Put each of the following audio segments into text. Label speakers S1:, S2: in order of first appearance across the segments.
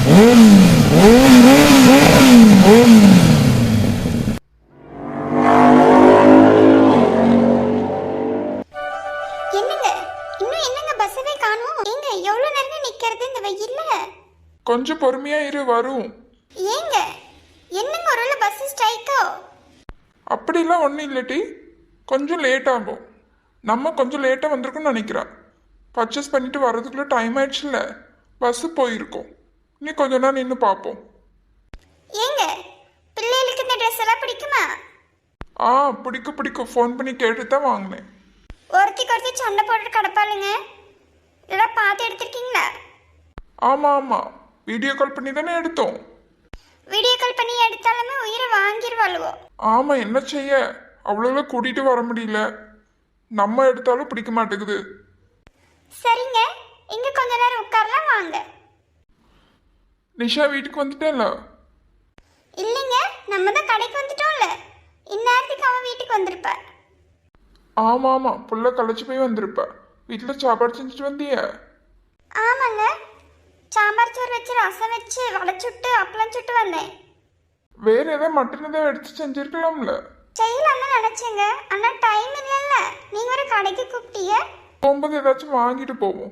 S1: கொஞ்சம் பொறுமையா இரு, வரும்.
S2: ஏங்க என்னங்க ஒருவேளை பஸ் ஸ்ட்ரைக்கோ?
S1: அப்படிலாம் ஒன்றும் இல்லட்டி, கொஞ்சம் லேட் ஆகும். நம்ம கொஞ்சம் லேட்டாக வந்திருக்கோம்னு நினைக்கிறேன். பர்ச்சேஸ் பண்ணிட்டு வர்றதுக்குள்ளே டைம் ஆயிடுச்சுல்ல, பஸ்ஸு போயிருக்கோம். நீ கொஞ்ச நேரம் நின்று பார்ப்போம்.
S2: ஏங்க பிள்ளைகளுக்கு இந்த ட்ரெஸ் எல்லாம் பிடிக்குமா?
S1: பிடிக்கும். ஃபோன் பண்ணி கேட்டு தான் வாங்கினேன்.
S2: ஒருத்தி சண்டை போட்டு கிடப்பாளுங்க. இதெல்லாம் பார்த்து எடுத்திருக்கீங்களா?
S1: ஆமாம், வீடியோ கால் பண்ணி தானே எடுத்தோம்.
S2: வீடியோ கால் பண்ணி எடுத்தாலுமே உயிரை வாங்கிடுவாளுவோ.
S1: ஆமாம், என்ன செய்ய, அவ்வளோ கூட்டிகிட்டு வர முடியல. நம்ம எடுத்தாலும் பிடிக்க மாட்டேங்குது.
S2: சரிங்க, இங்கே கொஞ்ச நேரம் உட்காரலாம் வாங்க.
S1: நிஷா வீட்டுக்கு வந்துட்டேன்ல?
S2: இல்லைங்க, நம்ம தான் கடைக்கு வந்துட்டோம்ல. இந்நேரத்துக்கு அவன் வீட்டுக்கு வந்திருப்ப.
S1: ஆமாம், புள்ள களைச்சி போய் வந்திருப்ப. வீட்டில் சாப்பாடு செஞ்சுட்டு வந்திய?
S2: ஆமாங்க, சாம்பார் சோறு வச்சு ரசம் வச்சு வடை சுட்டு அப்பளம் சுட்டு வந்தேன்.
S1: வேற ஏதாவது மட்டன் ஏதாவது எடுத்து செஞ்சிருக்கலாம்ல?
S2: செய்யலாம்னு நினைச்சேங்க, ஆனா டைம் இல்லைல்ல. நீங்க ஒரு கடைக்கு கூப்பிட்டீங்க.
S1: போகும்போது ஏதாச்சும் வாங்கிட்டு போவோம்.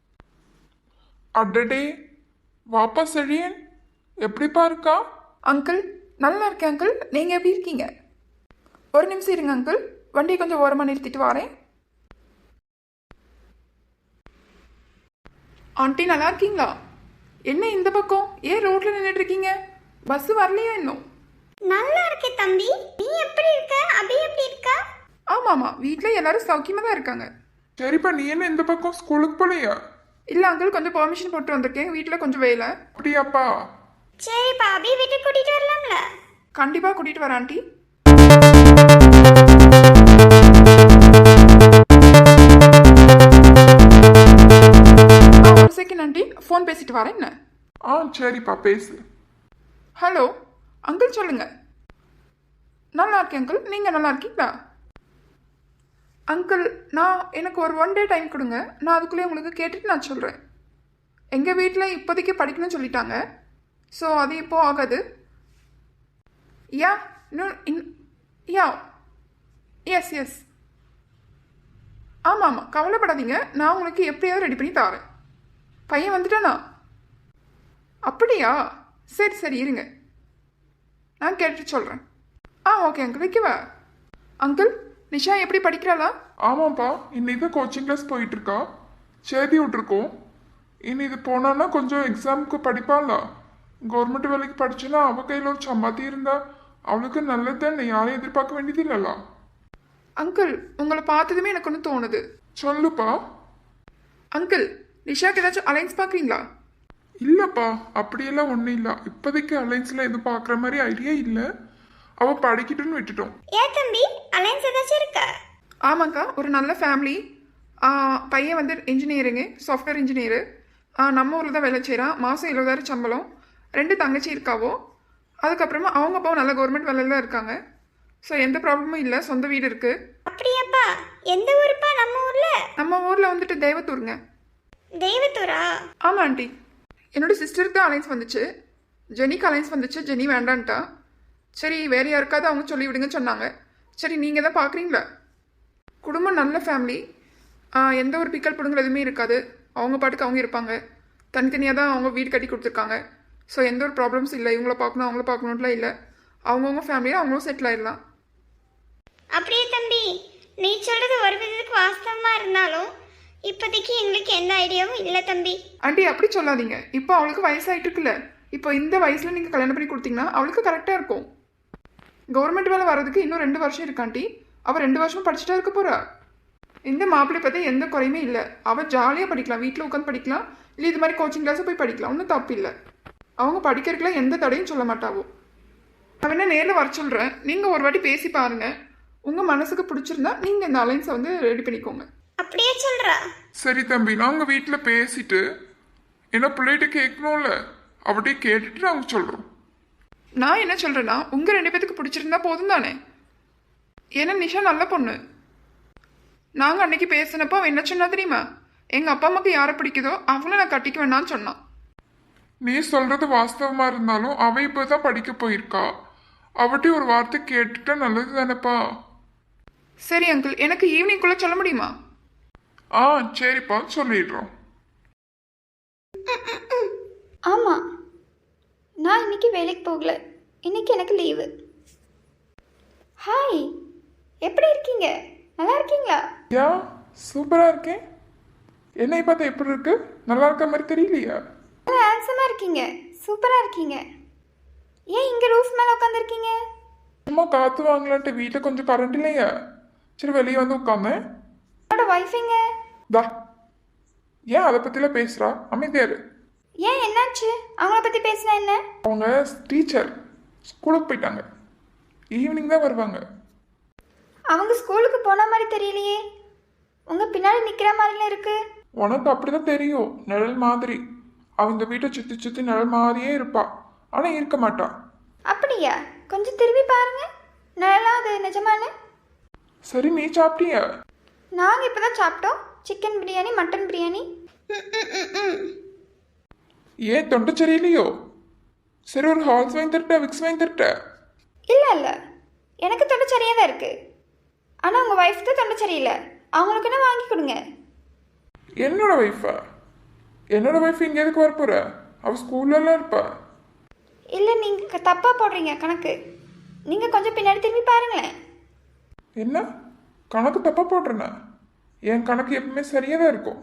S1: அடடே, வாப்பா செழியன், எப்படிப்பா இருக்கா?
S3: அங்கிள் நல்லா இருக்கேன் அங்கிள். நீங்கள் எப்படி இருக்கீங்க? ஒரு நிமிஷம் இருங்க அங்கிள், வண்டியை கொஞ்சம் ஓரமாக நிறுத்திட்டு வரேன். ஆண்டி நல்லா இருக்கீங்களா? என்ன இந்த பக்கம் ஏன் ரோட்ல நின்றுட்டு இருக்கீங்க? பஸ் வரலையா இன்னும்?
S2: நல்லா இருக்கே தம்பி, நீ எப்படி இருக்க? அபி எப்படி இருக்கா?
S3: ஆமாம், வீட்டில் எல்லாரும் சௌக்கியமாக தான் இருக்காங்க.
S1: சரிப்பா, நீ என்ன இந்த பக்கம் ஸ்கூலுக்கு போலையா?
S3: இல்லை அங்கிள், கொஞ்சம் பெர்மிஷன் போட்டு வந்திருக்கேன். வீட்டில் கொஞ்சம் வேலை.
S1: அப்படியாப்பா?
S2: சரிப்பா, அபி வீட்டுக்கு கூட்டிட்டு வரலாம்ல?
S3: கண்டிப்பாக கூட்டிகிட்டு வரேன் ஆண்டி. ஒரு செகண்ட் ஆண்டி, ஃபோன் பேசிட்டு வரேன். என்ன?
S1: சரிப்பா, பேசு.
S3: ஹலோ அங்கிள், சொல்லுங்க. நல்லா இருக்கேன் அங்கிள், நீங்கள் நல்லா இருக்கீங்களா? அங்கிள், எனக்கு ஒரு 1 டே டைம் கொடுங்க. நான் அதுக்குள்ளே உங்களுக்கு கேட்டுட்டு நான் சொல்கிறேன். எங்கள் வீட்டில் இப்போதைக்கு படிக்கணும்னு சொல்லிட்டாங்க. ஸோ அது இப்போ ஆகாது. யா யா எஸ் ஆமாம், கவலைப்படாதீங்க. நான் உங்களுக்கு எப்படியாவது ரெடி பண்ணி தரேன். பையன் வந்துட்டானா? அப்படியா? சரி இருங்க, நான் கேட்டுட்டு சொல்கிறேன். ஓகே அங்கிள், வைக்கவா? அங்கிள், நிஷா எப்படி படிக்கிறாளா?
S1: ஆமாப்பா, இன்னைக்கு கோச்சிங் கிளாஸ் போயிட்டு இருக்கா. சேதி விட்டுருக்கோம். இனி இது போனான்னா கொஞ்சம் எக்ஸாமுக்கு படிப்பாளா. கவர்மெண்ட் வேலைக்கு படிச்சுன்னா அவள் கையில் ஒரு சம்பாத்தி இருந்தா அவளுக்கு நல்லது தானே. யாரையும் எதிர்பார்க்க வேண்டியது இல்லைல்ல.
S3: அங்கிள், உங்களை பார்த்ததுமே எனக்கு ஒன்று தோணுது.
S1: சொல்லுப்பா.
S3: அங்கிள், நிஷாக்கு ஏதாச்சும் அலைன்ஸ் பார்க்குறீங்களா?
S1: இல்லைப்பா, அப்படியெல்லாம் ஒன்றும் இல்லை. இப்போதைக்கு அலைன்ஸில் எதுவும் பார்க்குற மாதிரி ஐடியா இல்லை. அவள் படிக்கிட்டுன்னு விட்டுட்டோம்.
S2: ஏன் தம்பி, அலைன்ஸ் ஏதாச்சும் இருக்கா?
S3: ஆமாங்க்கா, ஒரு நல்ல ஃபேமிலி. பையன் வந்து இன்ஜினியரிங்கு, சாஃப்ட்வேர் இன்ஜினியரு. நம்ம ஊரில் தான் வேலை செய்கிறான். மாதம் 70,000 சம்பளம். 2 தங்கச்சி இருக்காவோ. அதுக்கப்புறமா அவங்க அப்பாவும் நல்ல கவர்மெண்ட் வேலையில் தான் இருக்காங்க. ஸோ எந்த ப்ராப்ளமும் இல்லை. சொந்த வீடு இருக்குது.
S2: அப்படியாப்பா? எந்த ஊருப்பா? நம்ம
S3: ஊரில் வந்துட்டு தேவத்தூருங்க.
S2: தெய்வத்தூரா?
S3: ஆமாம் ஆண்டி. என்னோட சிஸ்டருக்கு தான் அலைன்ஸ் வந்துச்சு. ஜெனிக்கு அலைன்ஸ் வந்துச்சு. ஜெனி வேண்டான்ட்டா. சரி, வேறு யாருக்காவது அவங்க சொல்லி விடுங்கன்னு சொன்னாங்க. சரி, நீங்கள் தான் பார்க்குறீங்களா? குடும்பம் நல்ல ஃபேமிலி. எந்த ஒரு பிக்கல் பிடுங்கல் எதுவுமே இருக்காது. அவங்க பாட்டுக்கு அவங்க இருப்பாங்க. தனித்தனியாக தான் அவங்க வீடு கட்டி கொடுத்துருக்காங்க. ஸோ எந்த ஒரு ப்ராப்ளம்ஸ் இல்லை. இவங்கள பார்க்கணும் அவங்கள பார்க்கணுன்ட்டுலாம் இல்லை. அவங்கவுங்க ஃபேமிலியாக அவங்களும் செட்டில் ஆயிடலாம்.
S2: அப்படியே தம்பி, நீ சொல்கிறது ஒரு விதத்துக்கு வாஸ்தவமாக இருந்தாலும் இப்போதைக்கு எங்களுக்கு எந்த ஐடியாவும் இல்லை தம்பி.
S3: ஆண்டி, அப்படி சொல்லாதீங்க. இப்போ அவளுக்கு வயசாகிட்டு இருக்குல்ல. இப்போ இந்த வயசில் நீங்கள் கல்யாணம் பண்ணி கொடுத்தீங்கன்னா அவளுக்கு கரெக்டாக இருக்கும். கவர்மெண்ட் வேலை வர்றதுக்கு இன்னும் 2 வருஷம் இருக்காண்டி. அவள் 2 வருஷமும் படிச்சுட்டா இருக்க போகிறா. இந்த மாப்பிள்ளை பற்றி எந்த குறையுமே இல்லை. அவள் ஜாலியாக படிக்கலாம். வீட்டில் உட்காந்து படிக்கலாம். இல்லை இது மாதிரி கோச்சிங் கிளாஸை போய் படிக்கலாம். ஒன்றும் தப்பு இல்லை. அவங்க படிக்கிறதுக்குலாம் எந்த தடையும் சொல்ல மாட்டாவோ. நான் வேணா நேரில் வர சொல்கிறேன். நீங்கள் ஒரு வாட்டி பேசி பாருங்கள். உங்கள் மனசுக்கு பிடிச்சிருந்தா நீங்கள் இந்த அலைன்ஸை வந்து ரெடி பண்ணிக்கோங்க.
S2: அப்படியே சொல்கிறா?
S1: சரி தம்பி, நாங்கள் வீட்டில் பேசிட்டு என்ன பிள்ளைகிட்ட கேட்கணும்ல, அவட்டையே கேட்டுட்டு நாங்கள் சொல்கிறோம்.
S3: நான் என்ன சொல்கிறேன்னா, உங்கள் 2 பேத்துக்கு பிடிச்சிருந்தா போதும் தானே. ஏன்னா நிஷா நல்ல பொண்ணு. நாங்கள் அன்னைக்கு பேசினப்போ அவன் என்ன சொன்னா தெரியுமா? எங்கள் அப்பா அம்மாவுக்கு யாரை பிடிக்குதோ அவங்கள நான் கட்டிக்க வேணான்னு சொன்னான்.
S1: நீ சொல்றது வாஸ்தவமா இருந்தாலும் அவ இப்பதான் படிக்க போயிருக்கா. அவட்டி ஒரு வார்த்தை கேட்டுட்டா நல்லது தானேப்பா.
S3: சரி அங்கிள், எனக்கு ஈவினிங்குள்ளே சொல்ல முடியுமா?
S1: ஆ சரிப்பா, சொல்லிடுறோம்.
S2: ஆமாம், நான் இன்னைக்கு வேலைக்கு போகல. இன்னைக்கு எனக்கு லீவு. ஹாய், எப்படி இருக்கீங்க? நல்லா இருக்கீங்களா?
S1: யா, சூப்பரா இருக்கேன். என்னை பார்த்தா எப்படி இருக்கு? நல்லா இருக்க மாதிரி தெரியலையா?
S2: நல்லா ஹேண்ட்ஸமாக இருக்கீங்க, சூப்பராக இருக்கீங்க. ஏன் இங்கே ரூஃப் மேலே உட்காந்துருக்கீங்க?
S1: சும்மா காத்து வாங்கலான்ட்டு வீட்டில் கொஞ்சம் கரண்ட் இல்லையா, சரி வெளியே வந்து உட்காந்தேன்.
S2: என்னோட ஒய்ஃபைங்க.
S1: தா, ஏன் அதை பற்றிலாம் பேசுகிறா? அமைதியாரு.
S2: ஏன் என்னாச்சு? அவங்கள பற்றி பேசினா என்ன?
S1: அவங்க டீச்சர், ஸ்கூலுக்கு போயிட்டாங்க. ஈவினிங் தான் வருவாங்க.
S2: அவங்க ஸ்கூலுக்கு போன மாதிரி தெரியலையே. உங்கள் பின்னாடி நிற்கிற மாதிரிலாம் இருக்கு.
S1: உனக்கு அப்படிதான் தெரியும், நிழல் மாதிரி. அவங்க வீட்டை சுற்றி சுற்றி நிழல் மாதிரியே இருப்பா, ஆனால் இருக்க மாட்டா.
S2: அப்படியா? கொஞ்சம் திரும்பி பாருங்க. நல்லா அது நிஜமானு.
S1: சரி, நீ சாப்பிட்டியா?
S2: நாங்கள் இப்போ தான் சாப்பிட்டோம். Chicken biryani, mutton biryani.
S1: ஏன் தொண்டை சரியில்லையோ? சரி, ஒரு ஹால்ஸ் வாங்கி தரட்டா, விக்ஸ் வாங்கி தரட்டா?
S2: இல்லை இல்லை, எனக்கு தொண்டை சரியாக தான் இருக்குது. ஆனால் உங்கள் ஒய்ஃப் தான் தொண்டை சரியில்லை. அவங்களுக்கு என்ன வாங்கி கொடுங்க.
S1: என்னோட ஒய்ஃபா? என்னோட ஒய்ஃப் இங்கே எதுக்கு வரப்போற? அவள் ஸ்கூல்லலாம் இருப்பா.
S2: இல்லை, நீங்கள் தப்பாக போடுறீங்க கணக்கு. நீங்கள் கொஞ்சம் பின்னாடி திரும்பி பாருங்களேன்.
S1: என்ன கணக்கு தப்பா போடுறேன்னா? என் கணக்கு எப்பவுமே சரியாக தான் இருக்கும்.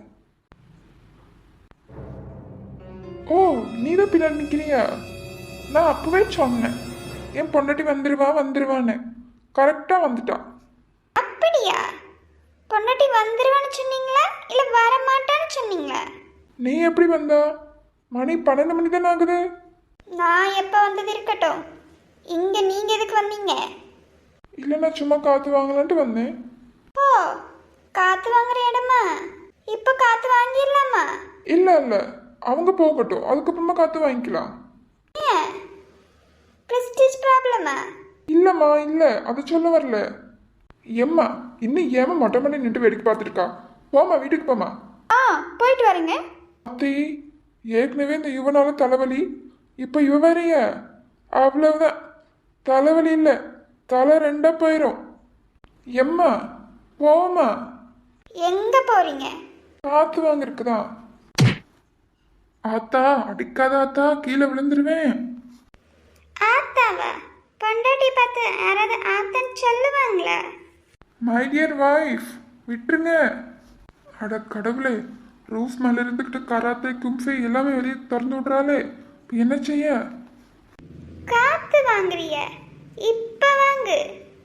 S1: ஓ, நீ தான் பின்னாடி நிற்கிறியா? நான் அப்பவே சொன்னேன் என் பொண்டாட்டி வந்துருவான்னு. கரெக்டாக வந்துட்டா.
S2: அப்படியா? பொண்டாட்டி வந்துருவான்னு சொன்னீங்களா இல்லை வர மாட்டான்னு சொன்னீங்களா?
S1: நீ எப்படி வந்தா? மணி 12 மணி தானே ஆகுது.
S2: நான் எப்போ வந்தது இருக்கட்டும். இங்கே நீங்கள் எதுக்கு வந்தீங்க?
S1: இல்லை, நான் சும்மா காற்று வாங்கலான்ட்டு வந்தேன்.
S2: ஓ, காற்று வாங்குற இடமா? இப்போ காற்று வாங்கிடலாமா?
S1: இல்லை இல்லை, அவங்க போகட்டும், அதுக்கப்புறமா காற்று வாங்கிக்கலாம்.
S2: ஏன், ப்ரெஸ்டீஜ் ப்ராப்ளமா?
S1: இல்லைம்மா, இல்லை, அதை சொல்ல வரல. எம்மா, இன்னும் ஏமா மொட்டை மணி நின்று வேடிக்கை பார்த்துருக்கா? போமா, வீட்டுக்கு போமா.
S2: ஆ, போயிட்டு வரேங்க.
S1: அத்தி, ஏற்கனவே இந்த யுவனால தலைவலி, இப்போ இவ வேறைய. அவ்வளவுதான், தலைவலி இல்லை, தலை ரெண்டா போயிடும். எம்மா, போமா.
S2: எங்கே போகிறீங்க?
S1: காத்து வாங்கிருக்குதான். ஆத்தா, அடிக்காத ஆத்தா, கீழே விழுந்துருவேன்.
S2: ஆத்தாவா? பொண்டாட்டி பார்த்து யாராவது ஆத்தான்னு சொல்லுவாங்களா?
S1: மை டியர் வைஃப், விட்டுருங்க. அட கடவுளே, ரூஃப் மேலே இருந்துக்கிட்டு கராத்தே கும்ஃபை எல்லாமே வெளியே திறந்து விட்றாளே, இப்போ என்ன செய்ய?
S2: காற்று வாங்குறிய? இப்போ வாங்கு.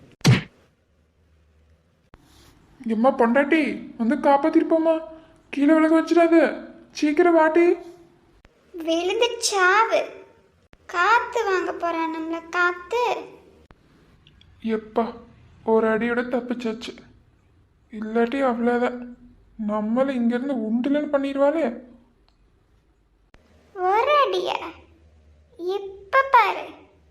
S1: எம்மா பொண்டாட்டி, வந்து காப்பாத்திருப்போமா, கீழே விழுக வச்சிடாத, சீக்கிரம் வாட்டி.
S2: விழுந்து சாவு. காற்று வாங்க போகிறான் நம்மளை காற்று.
S1: எப்பா, ஒரு அடியோட தப்பிச்சாச்சு. இல்லாட்டி அவ்வளோதான், நம்மளை இங்கேருந்து உண்டுலன்னு பண்ணிடுவாளே.
S2: ஒரு அடியா? இப்ப பாரு.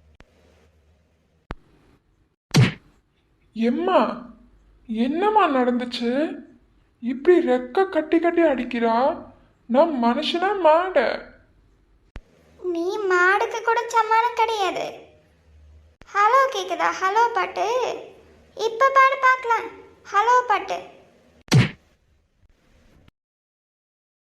S1: எம்மா, என்னம்மா நடந்துச்சு? இப்படி ரெக்க கட்டி கட்டி அடிக்கிறா. நான் மனுஷனா மாட?
S2: நீ மாடுக்கு கூட சமாளம் கிடையாது. ஹலோ கேக்குதா? ஹலோ பாட்டு இப்ப பாடு பார்க்கலாம். ஹலோ பாட்டு.